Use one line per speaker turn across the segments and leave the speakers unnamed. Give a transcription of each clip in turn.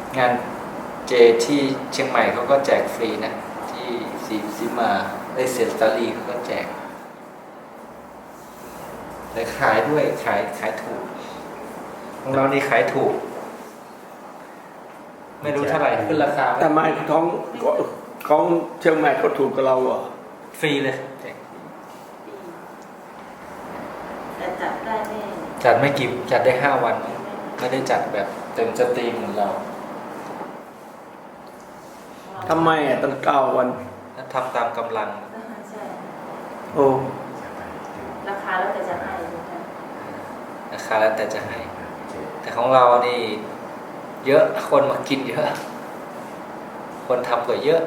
งานเจที่เชียงใหม่เขาก็แจกฟรีนะที่ซีมาได้เซนสตารีเขาก็แจกแต่ขายด้วยขายถูกของเรานี่ขายถูกไม่รู้เท่าไหร่ขึ้นราคา
แต่ไม่ของเชียงใหม่เขาถูกกับเราอ่ะ
ฟรีเลย
แต่จัดได้ไม่
จัดไม่กี่จัดได้5 วันไม่ได้จัดแบบเต็มสตรีมเหมือนเรา
ทำไมอ่ะตั้ง9 วัน
ทำตามกำลัง
ใช่
โอ้
ราคาแล้วแต่จะให้
ราคาแล้วแต่จะให้แต่ของเรานี่เยอะคนมากินเยอะคนทำก็เยอะ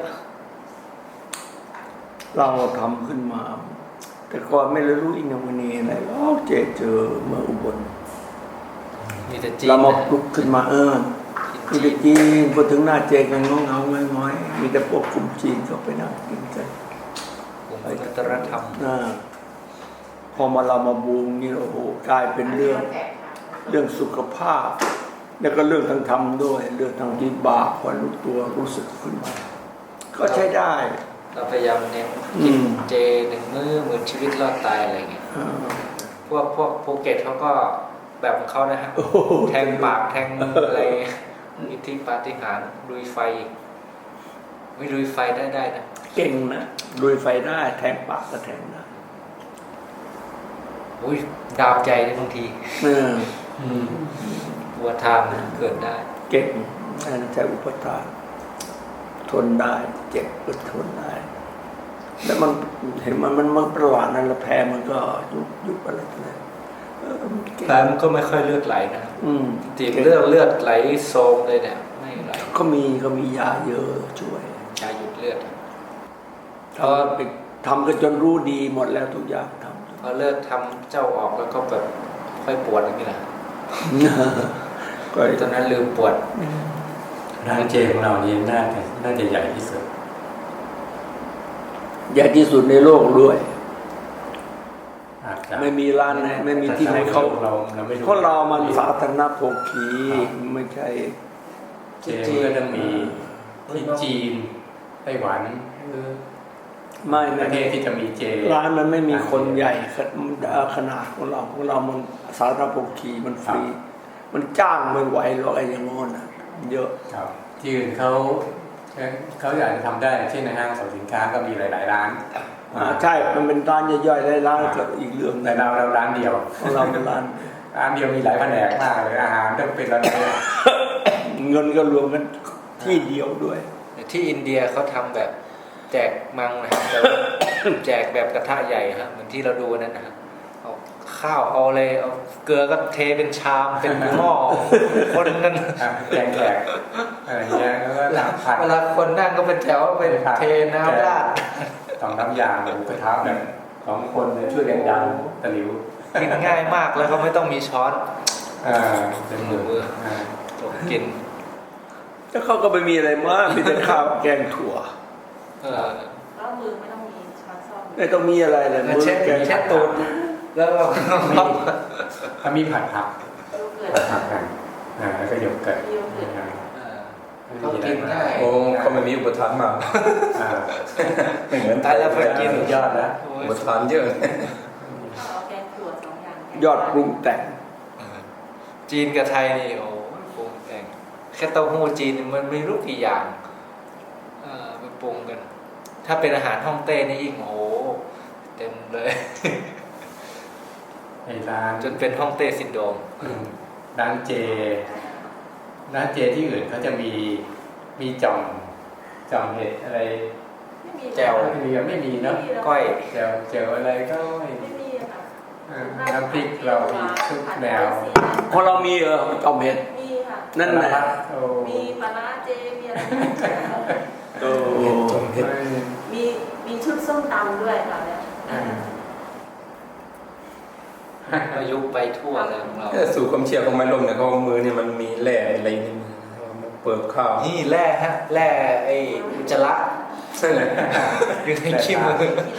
เราทำขึ้นมาแต่ก่อนไม่รู้อินโนเวนีอะไรเจอเมื่ออุบล
มีแต่จีน
เรามาปลุกขึ้นมามีแต่จีนพอถึงหน้าเจกันเงาง้อยมีแต่พวกกลุ่มจีนเขาไปนั่งกินกัน
กลุ่มวัฒนธรรม
พอเรามาบูมนี่โอ้โหกลายเป็นเรื่องสุขภาพแล้วก็เรื่องทางธรรมด้วยเรื่องทางที่บาปความรู้ตัวรู้สึกขึ้นมาก็ใช้ได้
เราพยายามเน้นกินเจ1 มื้อเหมือนชีวิตรอดตายอะไรเงี้ยพวกภูเก็ตเขาก็แบบของเขานะฮะแทงปากแทงอะไรอิทธิปาฏิหาริย์ลุยไฟไม่ลุยไฟได้นะ
เก่งนะลุยไฟได้แทงปากก็แทงได้
อุ้ยดาบใจเลยบางทีวัวทามเกิดได้
เก่งใช้อุปทานทนได้เจ็บก็ทนได้แล้วมันเห็นมันประหลาดนั่นละแพ้มันก็ยุบอะไรเลย
แพ้มันก็ไม่ค่อยเลือดไหลนะตีบเลือดไหลโซมเลยเนี่ยไม่ไหล
ก็มียาเยอะช่วย
ยาหยุดเลือด
พอไปทำก็จนรู้ดีหมดแล้วทุกอย่างทำ
พอเลิกทำเจ้าออกแล้วก็แบบค่อยปวดอย่างนี้แหละก็ตอนนั้นลืมปวด
ร้านเจของเรานี่น่าจะใหญ่ที่สุด
ใหญ่ที่สุดในโลกด้วยไม่มีร้านไหนไม่มีที่ไหนเขาเพราะเรามันสาธารณโภคีไม่ใช่
เจก็ต้องมีที่จีนไต้หวัน
ไม่
ประเทศที่จะมีเจ
ร้านมันไม่มีคนใหญ่ขนาดของเรามันสาธารณโภคีมันฟรีมันจ้างไม่ไหวหรอกไอ้อย่างงอนเยอะ
ที่อื่นเขาอยากจะทำได้เช่นในห้างสรรพสินค้าก็มีหลายๆร้าน
ใช่มันเป็นร้านย่อยๆได้ร้านก็อีกเรื่อง
แต่เราร้านเดียว
เราเป็นร้าน
เดียวมีหลายแผนกมากเลยอาหารต้องเป็นร้านเดียว
เงินก็รวมกันที่เดียวด้วย
ที่อินเดียเขาทำแบบแจกมังนะแจกแบบกระทะใหญ่ครับเหมือนที่เราดูนั่นนะเอาข้าวเอาเลยเอาเกลือก็เทเป็นชามเป็นหม้อคนนั้น
แจกอะไรเงี้ยแล้วก็ผัด
เวลาคนนั่งก็เป็นแถวเป็นเทน้ำราด
ต้องน้ำยาหมูกระทะแบบ2 คนช่วยกันดันตะหลิว
กินง่ายมากแล้วก็ไม่ต้องมีช้อนเป็นมือกิน
แล้วเขาก็ไม่มีอะไรมากมีแต่ข้าวแกงถั่ว
แล้วมือไม่ต้องมีช้อนซ่อม
ไม่ต้องมีอะไรเลย
มือแกงแค่ตูนแล้วเรา
ถ้ามีผัดผักกันแล้วก็โยเกิร์ต
ก็กินได้
โอ้เขาไม่มีอุปทานมา
ไม่เหมือนตายแล้วไปกิน
ยอดนะ
อุปทานเยอะ
ยอดปรุงแต่ง
จีนกับไทยนี่โอ้ปรุงแต่งแค่เต้าหู้จีนมันไม่รู้กี่อย่างไปปรุงกันถ้าเป็นอาหารฮ่องเต้นี่อีกโอ้เต็มเลย
ร้าน
จนเป็นฮ่องเต้ซินโดรม
ร้านเจที่อื่นเขาจะมีจ่อมเห็ดอะไร
แจ่ว
ไม่มีเนาะ
ก้อย
แจ่วอะไรก็ไม่มีค่ะน้ำพริกเรามีทุกแนว
พอเรามีจ่อมเห็ด
มีค่ะ
นั่นแหละ
มีปลาร้าเจมีอะไร
จ่อมเห็ด
มีชุดส้มตำด้วยค่ะเนี่ย
ประยุกต์ไปทั่วเลยของเรา
สู่ความเชื่อของไม้ลมเนี่ยเขามือเนี่ยมันมีแร่อะไรนี่เปิดข้าว
นี่แร่ฮะแร่ไอ้อุจจาระอยู่ในขี้มือ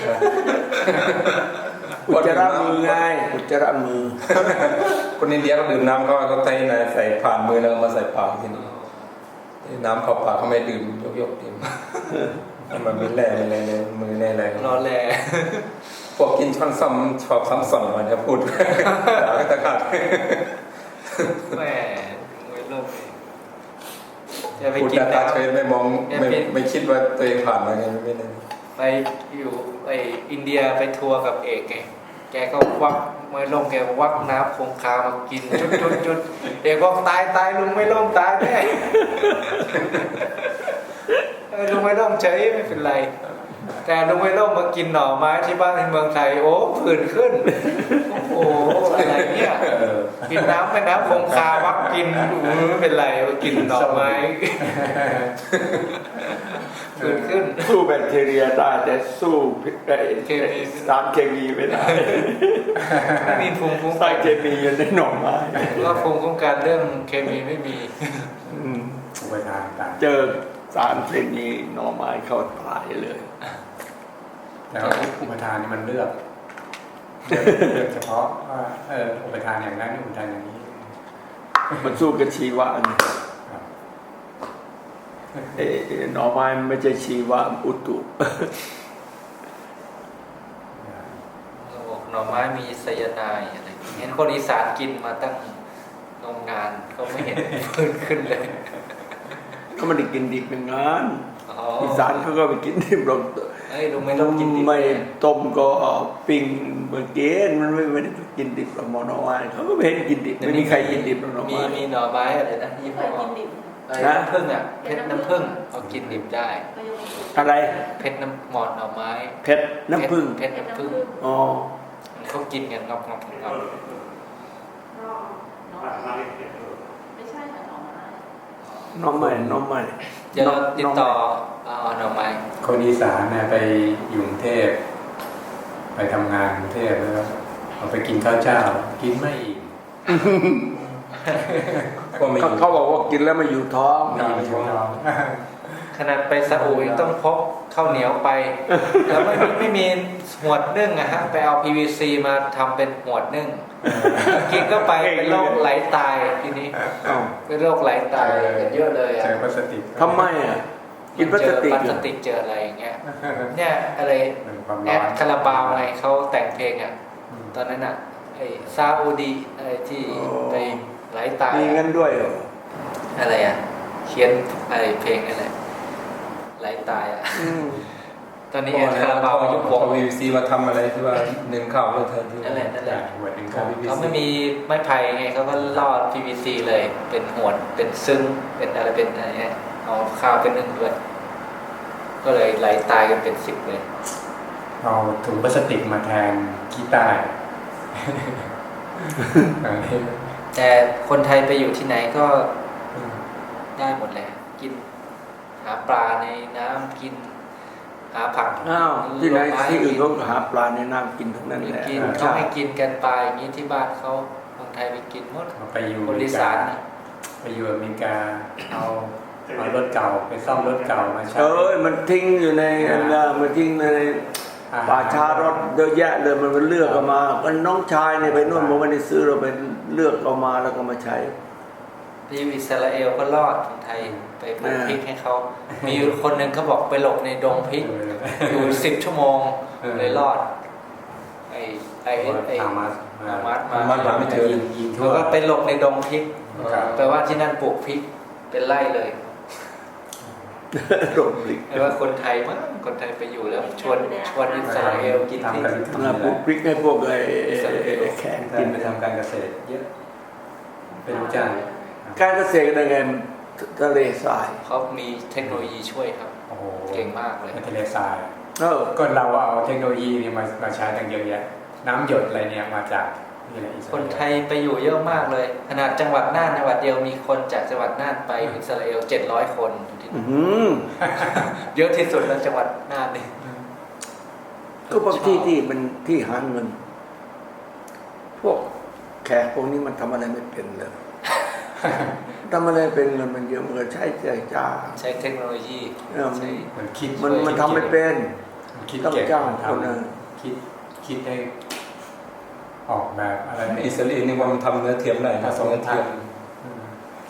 อุจจาระมือไงอุจจาระมือ
คนอินเดียเขาดื่มน้ำเขาใส่ผ่านมือแล้วมาใส่ปากทีนี้
น้ำเข้าปากเขาไม่ดื่มยกดื่มมันมีแร่อะไรในมือในอะไร
รอแล
พวกกินช้อนซ้ำชอบซ้ำสองมันจะพูดด่าก็ตะขาด
แหมมวยโลกจะไป
พูด
กิน
ตา
น้
เฉยไม่มองไม่คิดว่าตัวเองผ่านมาไงไม่ได้
ำไปอยู่อินเดียไปทัวร์กับเอกไงแกก็ควักมวยโลกแกก็ควักน้ำคงคามากินจุดเอกบอกตายลุงไม่ล่มตายแน่ลุงไม่ล่มเฉยไม่เป็นไรแต่ลุงไม่ล่มมากินหน่อไม้ที่บ้านในเมืองไทยโอ้ผื่นขึ้นโอ้โหอะไรเนี่ยกินน้ำไปน้ำคงคาวักกินไม่เป็นไรมากินหน่อไม้ผื่นขึ้น
สู้แบคทีเรียได้แต่สู้สารเคมีไม่ได้
ไม่มีภูมิคุ้ม
สา
กั
ร
น
เคมีอยู่ในหน่อไม้
ก็ภูมิคุ้มกันเรื่องเคมีไม่มี
อุปทานต่าง
เจอสารเคมีหน่อไม้เข้าตายเลย
แล้วอุปทานนี่มันเลือกเฉพาะว่าอุปทานอย่างนั้นอุปทานอย่างนี้
มันสู้กับชีวะนี่หน่อไม้ไม่ใช่ชีวะอุตุ
เราบอกหน่อไม้มีไซยาไนด์อะไรเห็นคนอีสานกินมาตั้งนมนานก็ไม่เห็นฟื้นขึ้นเลย
เขาไม่ได้กินดิบเป็นงาน
อ๋อ
อีสานเขาก็ไปกินดิบลง
เอ้ยลุงไม่ต้องกินดิบ
ไม่ต้มก็ปิ้งเมื่อกี้มันไม่ได้กินดิบหรอกหน่อไม้เขาก็ไม่เห็นกินดิบไม่มีใครกินดิบหรอกหน่อ
มี
ไม้
มีหน่อไม้อะไรนะยี่
เค
ห้อย
กินดิบ
น้ำผึ้งอ่ะเพชรน้ำผึ้งเขากินดิบได้
ก็ยังไม่ถูก
อะไร
เพชรน้ำหมอดหน่อไม้
เพชรน้ำผึ้ง
เพชรน้ำผึ้ง
อ๋อ
เขากินกันงอบ
ไม่ใช่ค่ะหน่อไม้
น้องใหม่
เดี๋ยวเราติดต่อเอาหน่อไม้
คนอีสานเนี่ยไปอยู่กรุงเทพไปทำงานกรุงเทพแล้วเอาไปกินข้าวเจ้ากินไม่อิ่ม
ก็ไม่
เขาบอกว่ากินแล้วมาอยู่ท้อง
ไม่อิ่มท้อง
ขนาดไปซาอุยังต้องพกข้าวเหนียวไป แล้วไม่มีหวดนึ่งอะฮะไปเอา PVC มาทำเป็นหวดนึ่งกินก็ไปเป็นโรคไหลตายทีนี้
อ้าว
เป็นโรคไหลตายกันเยอะเลย
เจ
อะ
อพลาสติก
ทำไมอ่ะกินพลาสติก
เจอพ
เหร
ลา
อ
สติกเจออะไรอย่างเงี้ยเนี่ยอะไร
ความ
แอ
ร้อ
ด
น
คาราบาวไงเขาแต่งเพลงอ่ะตอนนั้นอ่ะไอ้ซาอุดีอะไรที่ไปไหลตาย
มีงั้นด้วยเหรอ
อะไรอ่ะเขียนไอ้เพลงอะไรไหลตายอ่ะ
อืม
ตอนนี้แอดคาราบาวยุควง
วีซีมาทำอะไรที่ว่าหนึ่งข้าวเลยเธอที่
นั่นแหละนั่นแหละ
หัวถึง
ขอ
ข้าง ว
วีซี
เขาไม่มีไม้ไผ่ไงเขาก็ลอด PVC เลย เป็นหวดเป็นซึ้งเป็นอะไรเป็นอะไรเงี้ยเอาข้าวเป็นนึ่งด้วย ก็เลยไหลตายกันเป็น10เลย
เอาถุงพลาสติกมาแทนขี้ใต้
แต่คนไทยไปอยู่ที่ไหนก็ได้หมดแหละกิน หาปลาในน้ำกิน หาผัก
อ้าวที่ไหน
ผลม้
ที่อื่น
กิ
เขาก็หาปลาในน้ำกินทั้งนั้นแหละ
กินเขาให้กินกันปลาอย่างนี้ที่บ้านเขาคนไทยไปกินหมด
เอาไปอยู่
คนอีสานนะ
ไปอยู่อเมริกาเอารถเก่าไปซ่อมรถเก่ามาใช้
มันทิ้งอยู่ในมันทิ้งในป่าชารถเยอะแยะเลยมันเลือกเอามาก็น้องชายเนี่ยไปนู่นมันไม่ได้ซื้อเราไปเลือกเอามาแล้วก็มาใช้
ที่อิสราเอลก็รอดคนไทยไปปลูกพริกให้เขา มีอยู่คนหนึ่งเขาบอกไปหลบในดงพริก อยู่10 ชั่วโมงเลยรอด ไอ้
ฮามาส
ฮามาส
มันหาไม่เจอ
ยิงทั่
เขา
ว
ก็ไปหลบในดงพริก
ครับ
แปลว่าที่นั่นปลูกพริกเป็นไร่เลย
หลบหลีก
แปลว่าคนไทยมั้งคนไทยไปอยู่แล้วชวนอิสราเอลกินพริก
ปลูกพริกให้พวกไอ้แขก
กิ
กิ
น
น
ไปทำการเกษตรเยอะเป็นลูกจ้าง
การเกษตรได้ไงทะเลทราย
เขามีเทคโนโลยีช่วยครับ
โอ้โห
เก่งมากเลย
ในทะเลทราย
เออ
ก็เราเอาเทคโนโลยีนี่มาใช้ตั้งเยอะแยะน้ำหยดอะไรเนี่ยมาจากนี่แหละอิสรา
ค
เอล
นไทยไปอยู่เยอะมากเลย ขนาดจังหวัดน่านจังหวัดเดียวมีคนจากจังหวัดน่านไปอิสราเอล700 คนอยู่ที่
อื้
นั่
อน หือ
เยอะที่สุดแล้วจังหวัดน่านนี่
ก็บางที่ที่มันที่หาเงิน พวกแขกพวกนี้มันทำอะไรไม่เป็นเลย ทำอะไรเป็นเงินมันเยอะมันก็ใช้จ่าย
ใช้เทคโนโลยี ใช้
มันคิด
มันทำไม่เป็น
มันคิด
ต้อง
เก่ง
จ้าง
มันท
คนนะ
ำคิดให้ออกแบบอะไร
อิสราเอลนี่ว่ามันทำเนื้อเทียมได้
ผ
นะ
สม
เนื้อ
ทั
เทีย
น
ม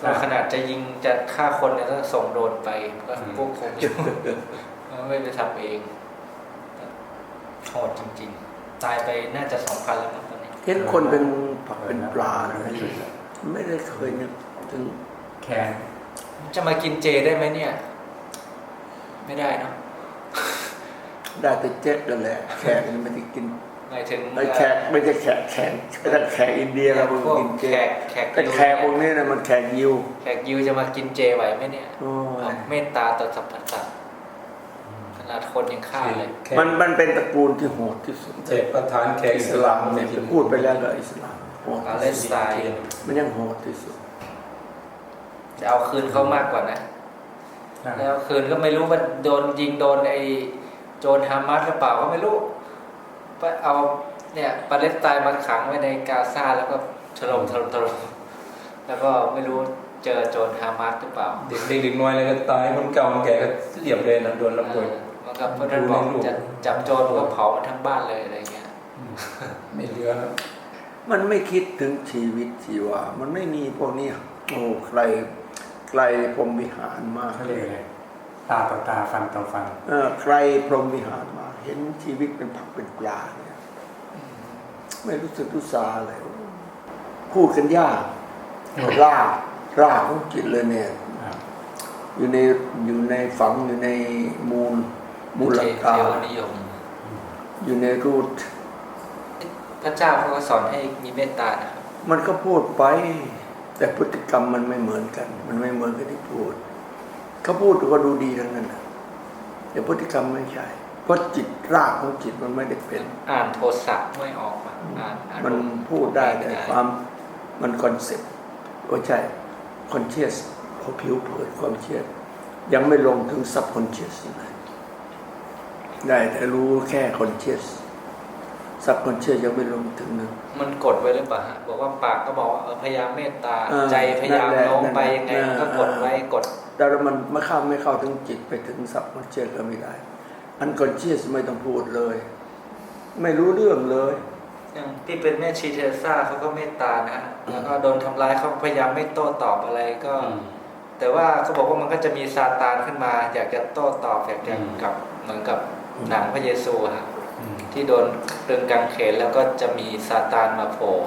เราขนาดจะยิงจะฆ่าคนเนี่ยก็ส่งโดรนไปก็พวกคงอยู่ ไม่ไปทำเองโหดจริงๆ ตายไปน่าจะ2,000แล้วมั้งตอนนี้
เห็นคนเป็นผักเป็นปลานะไม่ได้เคยนึกถึง
แคน
จะมากินเจได้ไหมเนี่ย ไม่ได้เนาะ
ได้แต่เจ๊กกันแหละแขกมันไม่ได้กิน
หมายถึง
ไอ้แขกไม่ใช่แขกแต่แขกอินเดียเรา
พวก
กินเจ
แขก
แต่แขกพวกนี้นะมันแขกยิว
แขกยิวจะมากินเจไหวไหมเนี่ย
โอ้ย
เมตตาต่อสรรพสัตว์ขนาดคนยังฆ่าเลย
มันเป็นตระกูลที่โหดที่สุด
เจ็ดประธานแขกอิสลาม
เนี่ยพูดไปแล้วก็อิสลามโหด
ปาเลสไตน์
มันยังโหดที่สุด
จะเอาคืนเขามากกว่านะ แล้วคืนก็ไม่รู้ว่าโดนยิงโดนไอ้โจรฮามาสหรือเปล่าก็ไม่รู้ไปเอาเนี่ยปาเลสไตน์มาขังไว้ในกาซาแล้วก็ถล่มแล้วก็ไม่รู้เจอโจรฮามาสหรือเปล่า
เด็กน้อยเลยก็ตายคนเก่าคนแก่ก็เรียบเลยนะโดนระเบิด
มันก็พระท่านบอกจะจับโจรก็เผามันทั้งบ้านเลยอะไรเงี้ย
ไม่เหลือแล้ว
มันไม่คิดถึงชีวิตชีวามันไม่มีพวกนี้โอ้ไกลพรหมวิหารมาก
เขาเรียกอะไรตาต่อตาฟันต่อฟัน
ไกลพรหมวิหารมากเห็นชีวิตเป็นผักเป็นปลาเนี่ยไม่รู้สึกรู้สาเลยพูดกันยากรากของจิตเลยเนี่ย อยู่ในฝังอยู่ในมูล
เท
กา
วนิยม
อยู่ในรูท
พระเจ้าเขาก็สอนให้มีเมตตานะครับ
มันก็พูดไปแต่พฤติกรรมมันไม่เหมือนกัน มันไม่เหมือนกับที่พูดเขาพูดก็ดูดีทั้งนั้นนะแต่พฤติกรรมไม่ใช่เพราะจิตรากของจิตมันไม่ได้เป็น
อ่านโทสะไม่ออกมาอ่าน
มันพูดได้แต่ความมันคอนเซ็ปต์ก็ใช่คอนเชียสพอผิวเผินความเชื่อยังไม่ลงถึงซับคอนเชียสได้แต่รู้แค่คอนเชียสซับคอนเชียสยังไม่ลงถึงนั้น
มันกดไว้หรือเปล่าฮะบอกว่าปากก็บอกว่าพยายามเมตตา ใจพยายาม
นั่นแหละ
โน้มไปยังไงมันก็กดไว้กด
แต่มันไม่เข้าถึงจิตไปถึงซับคอนเชียสก็ไม่ได้อันคอนเชียสไม่ต้องพูดเลย ไม่รู้เรื่องเลย
อย่างที่เป็นแม่ชีเทเรซ่าเขาก็เมตตานะแล้วก็โดนทำร้ายเขาพยายามไม่โต้ตอบอะไรก็ แต่ว่าเขาบอกว่ามันก็จะมีซาตานขึ้นมา อยากจะโต้ตอบอยากจะกับเหมือนกับหนังพระเยซูฮะที่โดนตรึงกางเขนแล้วก็จะมีซาตานมาโผล่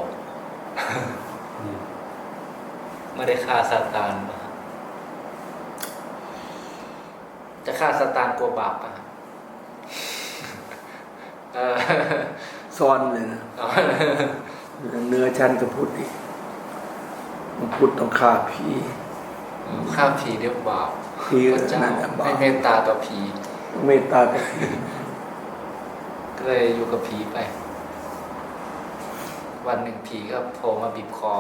ไม่ได้ฆ่าซาตานจะฆ่าซาตานกลัวบาปอ่ะ
ซ้อนเลยนะเนื้อชั้นก็พูดอีกมันพูดต้องฆ่าผี
ฆ่าผีเรียกบาป
ผี
พระเจ้า
นั่นแหละบา
ไม่
ป
เมตตาต่อผี
เมตตาแต่ผี
ก็เลยอยู่กับผีไป วันหนึ่งผีก็โผล่มาบีบคอ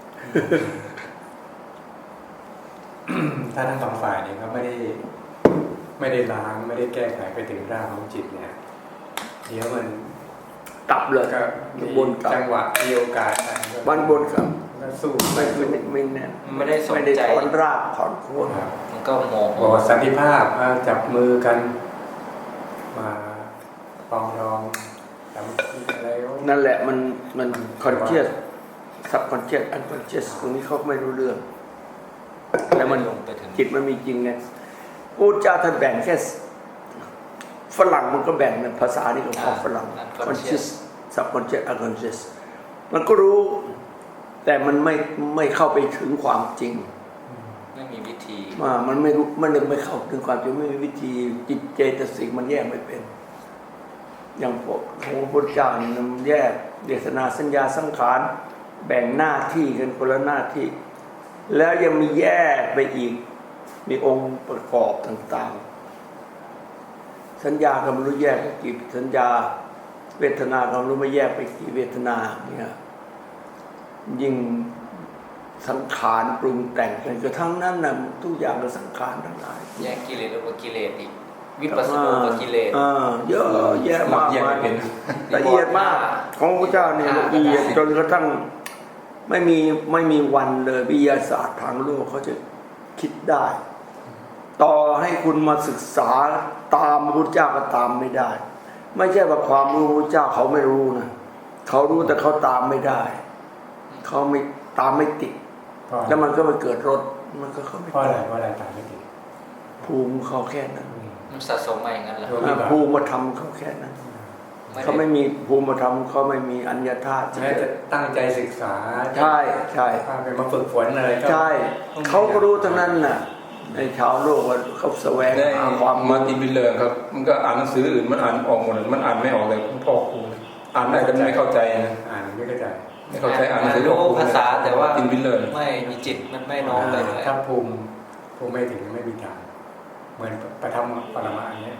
ถ้าทั้งสองฝ่ายเนี่ยเขาไม่ได้ล้างไม่ได้แก้ไขไปถึงรากของจิตเนี่ยเดี๋ยวมัน
กลับเลย
ก็มี
บนกลับ
จังหวะมีโอกาส
บ้านบนกลับ
ก็สู้
ไม่แน่น
ไม่ได้สน
ไม่ได้
ใจ
ถอนรากถอนโคน
มันก็โมโห
บอกว่าสันติภาพจับมือกันมาปรองดองทำอะไร
นั่นแหละมันคอนเชียสซับคอนเชียสอันคอนเชียสตรงนี้เขาไม่รู้เรื่องแล้วมัน
ลงไปถึง
จิตมันมีจริงไงพูดจาท่านแบ่งแค่ฝรั่งมันก็แบ่งเป็นภาษานี่ก็พอฝรั่งคอนเชียสซับคอนเชียสอันคอนเชียสมันก็รู้ แต่มันไม่เข้าไปถึงความจริง
ไม่มีวิธี
มันไม่รู้มันไม่เข้าถึงความจริงไม่มีวิธีจิตเจตสิกมันแยกไม่เป็น อย่างพวกของพระพุทธเจ้านี่มันแยกเดชนาสัญญาสังขารแบ่งหน้าที่กันคนละหน้าที่ แล้วยังมีแยกไปอีกมีองค์ประกอบต่างๆสัญญาก็ไม่รู้แยกไปกี่สัญญาเวทนาก็ไม่รู้ไม่แยกไปกี่เวทนาเนี่ยยิ่งสังขารปรุงแต่งกันกระทั่งนั้นนะทุกอย่างก็สังขารทั้งหลาย
แยกกิเลสออกจากกิเลสอีกวิปัสสนูปกิเลส
เยอะแยะมาก
แยก
มา
ไม่
ย
เป็น
ละเอียดมากของพระเจ้าเนี่ยละเอียดจนกระทั่งไม่มีวันเลยวิทยาศาสตร์ทางโลกเขาจะคิดได้ ต่อให้คุณมาศึกษาตามพระพุทธเจ้าก็ตามไม่ได้ ไม่ใช่ว่าความรู้พระเจ้าเขาไม่รู้นะเขารู้แต่เขาตามไม่ได้เขาไม่ตามไม่ติดแล้วมันก็มาเกิดรสมันก็เขาไม่
เพราะอะไรตายไม่ติด
ภูมิเขาแค่นั้น
มันสะสมมาอย่างนั้นเหรอ
ภูมิธรรมเขาแค่นั้นเขาไม่มีภูมิธรรมเขาไม่มีอัญญาธาตุ
แม้จะตั้งใจศึกษา
ใช่ใช่
พาไปมาฝึกฝนอะไรก็
ใช่เขาก็รู้ทั้งนั้นน่ะในชาวโลกว่าเขาแสวง
ได้
หาความ
มาตินบิลเลอร์ครับมันก็อ่านหนังสืออื่นมันอ่านออกหมดเลยมันอ่านไม่ออกเลยพ่อครูอ่านได้แต่ไม่เข้าใจนะ
อ่านไม่เข้าใจ
ไม่เข้าใจอ่านหนังสือ
รู้ภาษาแต่ว่า
ตินบิลเลอร์
ไม่มีจิตมันไม่น้อมไปเลย
ถ้าภูมิไม่ถึงไม่มีทางเหมือนประทับปรมาอันเนี้ย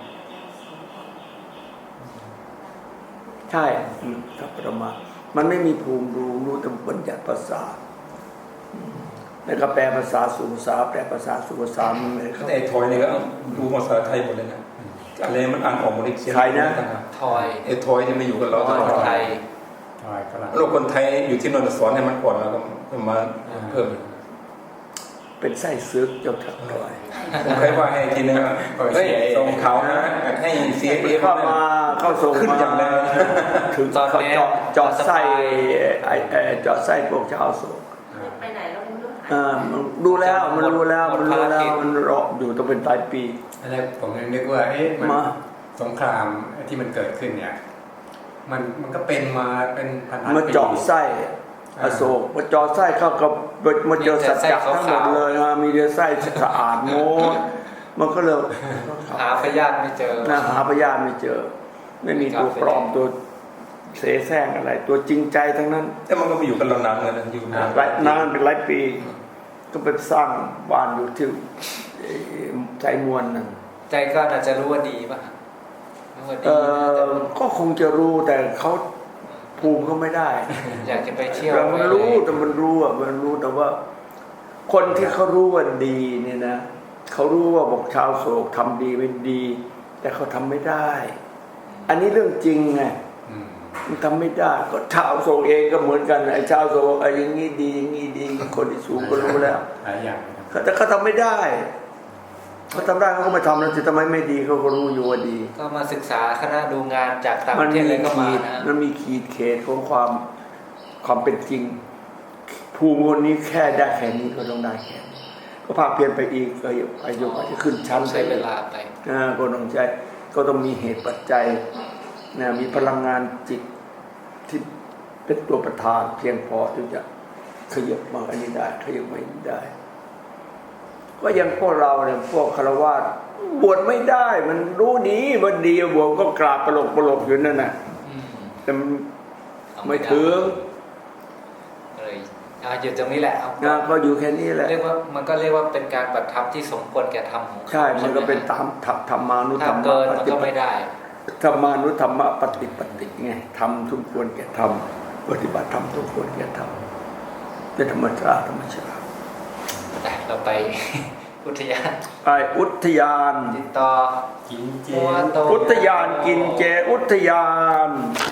ใช่กับปรมามันไม่มีภูมิรู้แต่บัญญัติภาษาแล้วก็แปลภาษาสู่ภาษาแปลภาษาสู่ภาษามันเลยครับ
ไอ้ทอยนี่ก็ดูภาษาไทยหมดเลยนะอะไรมันอ่านออกหมดเลยเขียน
ใครนะ
ทอย
ไอ้ทอยที่มาอยู่กับเราตลอด
ไทย
ถอยฝรั่ง
โลกคนไทยอยู่ที่นนท์สอนให้มันก่อนแล้วก็มาเพิ่ม
เป็นไส้ซึกเจ้าทักทอย
ผมเคยว่าให้ทีนึงว่าเฮ้ยส่งเขานะให้เสียเอ
เข้ามาเข้าส่ง
ขึ้น
มา
อย่างแรง
ถึงเขาเจาะไส้เจาะไส้พวกชาวโศก
ไปไหนเราไม่รู้
มันรู้แล้วมันรู้แล้วมันรู้แล้วมันรออยู่ต้องเป็นปลายปี
อะไรผมนึกว่ามัน
มา
สงครามที่มันเกิดขึ้นเนี่ยมันก็เป็นมาเป็นพันๆปี
มาเจาะไส้อโศกมาเจาะไส้เข้ากับมาเจอสัจจะทั้งหมดเลยมีแต่ไส้สะอาดโม้มันก็เลย
หาพยาธิไม่เจอ
หาพยานไม่เจอ ไม่มีตัวปลอมตัวเสแสร้งอะไร ตัวจริงใจทั้งนั้น
แต่มันก็ไปอยู่กับเรานานเลยนะอยู่นาน
นานเป็นหลายปี ก็เป็นสร้างบ้านอยู่ที่ใจมวลนั่น
ใจก็อาจจะรู้ว่าดีป่ะรู้ว่าดี
ก็คงจะรู้แต่เขาภูมิเขาไม่ได้
อยากจะไปเที่ยว
มันรู้แต่มันรู้อ่ะมันรู้แต่ว่า คนที่เขารู้ว่าดีเนี่ยนะเขารู้ว่าบอกชาวโศกทำดีเป็นดี แต่เขาทำไม่ได้ อันนี้เรื่องจริงไง มันทำไม่ได้ก็ชาวโศกเองก็เหมือนกันไอ้ชาวโศกไอ้อย่างนี้ดีอย่างนี้ดีคนที่สูงก็รู้แล้ว
หลายอย่างนะครับ
แต่เขาทำไม่ได้เขาทำได้เขาก็ไม่ทำแล้วจะทำไมไม่ดีเขาก็รู้อยู่ว่าดี
ก็มาศึกษาคณะดูงานจากต่างประเทศเลยก็มานะ
มันมีขีดเขตของความเป็นจริง ภูมิคนนี้แค่ได้แค่นี้ก็ต้องได้แค่นี้ก็ภาคเพียนไปอีกก็อายุอาจจะขึ้นชั้น
ใช้เวลาไป
ก็ต้องใช้ก็ต้องมีเหตุปัจจัยมีพลังงานจิตที่เป็นตัวประธานเพียงพอที่จะขยับมาอันนี้ได้ขยับมาอันนี้ได้ก็ยังพวกเราเนี่ยพวกฆราวาสบวชไม่ได้ มันรู้ดีว่าดีบวชก็กราบปลกอยู่นั่นน่ะแต่มันไม่ถึง
เลยหยุดตรงนี้แหละเอา
ก็อยู่แค่นี้แหละ
เรียกว่ามันก็เรียกว่าเป็นการปฏิธรรมที่สมควรแก่ธรรมของ
ใช่มันก็เป็นตามธรรมานุธร
ถ้าร
ม
เกินมันก็ไม่ได้
ธรรมานุธรรมปฏิปฏิไงทำทุกควรแก่ทำปฏิบัติธรรมทุกควรแก่ทำเป็นธรรมชาติ
แต่เราไป อุทยาน
ไปอุทยาน
ติดต่อ
กินเจ
มัวโต
อุทยานกินเจอุทยาน